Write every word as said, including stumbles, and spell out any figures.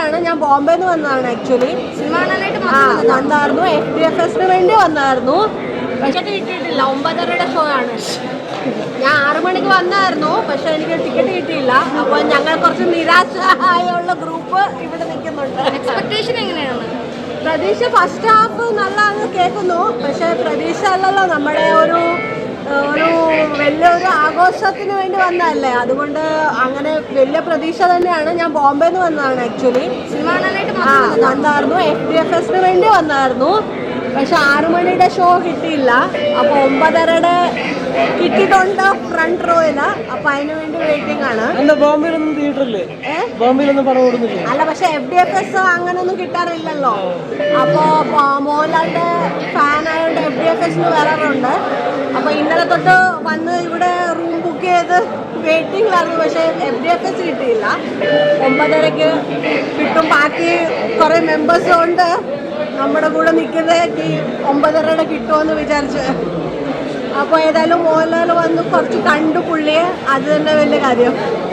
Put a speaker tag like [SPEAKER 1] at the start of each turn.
[SPEAKER 1] തന്നെയാണ്. ഞാൻ ബോംബെന്ന് വന്നതാണ് ആക്ച്വലി.
[SPEAKER 2] സിനിമ കാണാനായിട്ട്
[SPEAKER 1] ആ വന്നായിരുന്നു, എഫ് ഡി എഫ് എസിന് വേണ്ടി വന്നായിരുന്നു. പക്ഷെ കിട്ടിയിട്ടില്ല. ഒമ്പതരയുടെ ഷോ ആണ്. ഞാൻ ആറു മണിക്ക് വന്നായിരുന്നു, പക്ഷെ എനിക്ക് ടിക്കറ്റ് കിട്ടിയില്ല. അപ്പോൾ ഞങ്ങൾ കുറച്ച് നിരാശയുള്ള ഗ്രൂപ്പ് ഇവിടെ നിൽക്കുന്നുണ്ട്.
[SPEAKER 2] എക്സ്പെക്ടേഷൻ എങ്ങനെയാണ്?
[SPEAKER 1] പ്രതീക്ഷ ഫസ്റ്റ് ഹാഫ് നല്ലതാണെന്ന് കേൾക്കുന്നു, പക്ഷെ പ്രതീക്ഷ അല്ലല്ലോ, നമ്മുടെ ഒരു ഒരു വലിയൊരു ആഘോഷത്തിന് വേണ്ടി വന്നതല്ലേ, അതുകൊണ്ട് അങ്ങനെ വലിയ പ്രതീക്ഷ തന്നെയാണ്. ഞാൻ ബോംബെന്ന് വന്നതാണ് ആക്ച്വലി.
[SPEAKER 2] സിനിമ കാണാനായിട്ട്
[SPEAKER 1] ആ വന്നായിരുന്നു, എഫ് ഡി എഫ് എസിന് വേണ്ടി വന്നായിരുന്നു. പക്ഷെ ആറു മണിയുടെ ഷോ കിട്ടിയില്ല. അപ്പോൾ ഒമ്പതരയുടെ കിട്ടിയിട്ടുണ്ട് ഫ്രണ്ട് റോയില്. അപ്പൊ അതിനു വേണ്ടി വെയിറ്റിംഗ് ആണ്.
[SPEAKER 3] ബോംബെയിലൊന്നും തിയേറ്ററില്ലേ? ബോംബെയിലൊന്നും പടം ഓടുന്നില്ല.
[SPEAKER 1] അല്ല, പക്ഷെ എഫ് ഡി എഫ് എസ് അങ്ങനെയൊന്നും കിട്ടാറില്ലല്ലോ. അപ്പോ മോഹൻലാലിന്റെ ഫാൻ ആയതുകൊണ്ട് എഫ് ഡി എഫ് എസിന് വരാറുണ്ട്. അപ്പൊ ഇന്നലെ തൊട്ട് വന്ന് ഇവിടെ റൂം ബുക്ക് ചെയ്ത് വെയിറ്റിംഗിലായിരുന്നു. പക്ഷെ എഫ് ഡി എഫ് എസ് കിട്ടിയില്ല. ഒമ്പതരക്ക് കിട്ടും. ബാക്കി കുറെ മെമ്പേഴ്സ് കൊണ്ട് നമ്മുടെ കൂടെ നിൽക്കുന്നത് ഈ ഒമ്പതരയുടെ കിട്ടുമെന്ന് വിചാരിച്ച്. അപ്പോൾ ഏതായാലും മോഹൻലാൽ വന്ന് കുറച്ച് കണ്ടു പുള്ളിയെ, അത് തന്നെ വലിയ കാര്യം.